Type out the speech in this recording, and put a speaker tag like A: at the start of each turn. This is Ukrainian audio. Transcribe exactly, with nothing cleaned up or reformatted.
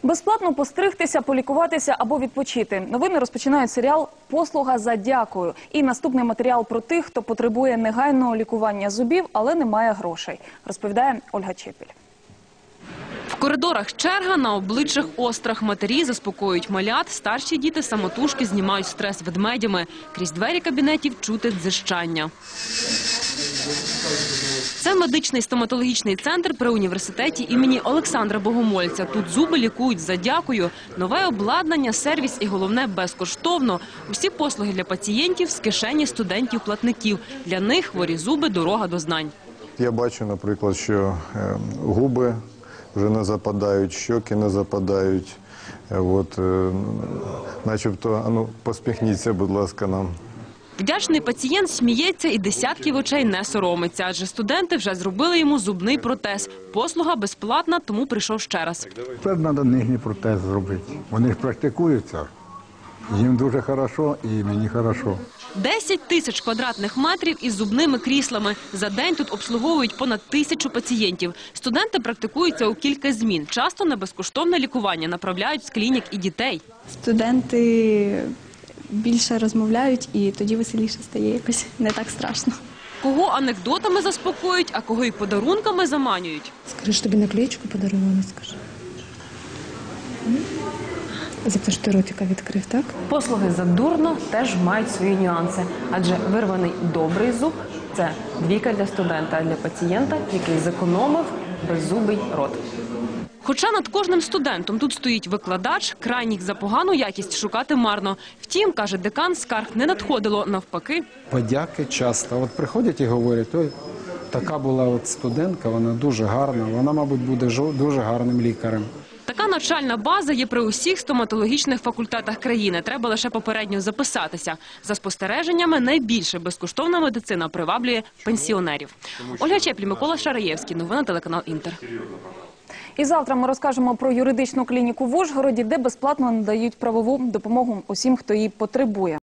A: Безплатно постригтися, полікуватися або відпочити. Новини розпочинають серіал «Послуга за дякую». І наступний матеріал про тих, хто потребує негайного лікування зубів, але не має грошей, розповідає Ольга Чепіль.
B: В коридорах черга, на обличчях острах. Матері заспокоюють малят, старші діти самотужки знімають стрес ведмедями. Крізь двері кабінетів чути дзижчання. Це медичний стоматологічний центр при університеті імені Олександра Богомольця. Тут зуби лікують за дякую. Нове обладнання, сервіс і, головне, безкоштовно. Усі послуги для пацієнтів з кишені студентів-платників. Для них хворі зуби – дорога до знань.
C: Я бачу, наприклад, що губи вже не западають, щоки не западають. От, начебто, а ну, посміхніться, будь ласка, нам.
B: Вдячний пацієнт сміється і десятків очей не соромиться, адже студенти вже зробили йому зубний протез. Послуга безплатна, тому прийшов ще раз.
D: Тепер треба нижній протез зробити. Вони ж практикуються. Їм дуже добре і мені добре.
B: десять тисяч квадратних метрів із зубними кріслами. За день тут обслуговують понад тисячу пацієнтів. Студенти практикуються у кілька змін. Часто на безкоштовне лікування направляють з клінік і дітей.
E: Студенти більше розмовляють, і тоді веселіше стає, якось не так страшно.
B: Кого анекдотами заспокоюють, а кого й подарунками заманюють.
F: Скажи, що тобі наклеєчку подарували, скажи. За те, що ти ротика відкрив, так?
G: Послуги за дурно теж мають свої нюанси, адже вирваний добрий зуб – це двійка для студента, а для пацієнта, який зекономив беззубий рот.
B: Хоча над кожним студентом тут стоїть викладач, крайніх за погану якість шукати марно. Втім, каже декан, скарг не надходило, навпаки.
H: Подяки часто. От приходять і говорять, ой, така була от студентка, вона дуже гарна, вона, мабуть, буде дуже гарним лікарем.
B: Така навчальна база є при усіх стоматологічних факультетах країни. Треба лише попередньо записатися. За спостереженнями, найбільше безкоштовна медицина приваблює пенсіонерів. Ольга Чеплі, Микола Шараєвський. Новини телеканал «Інтер».
A: І завтра ми розкажемо про юридичну клініку в Ужгороді, де безплатно надають правову допомогу усім, хто її потребує.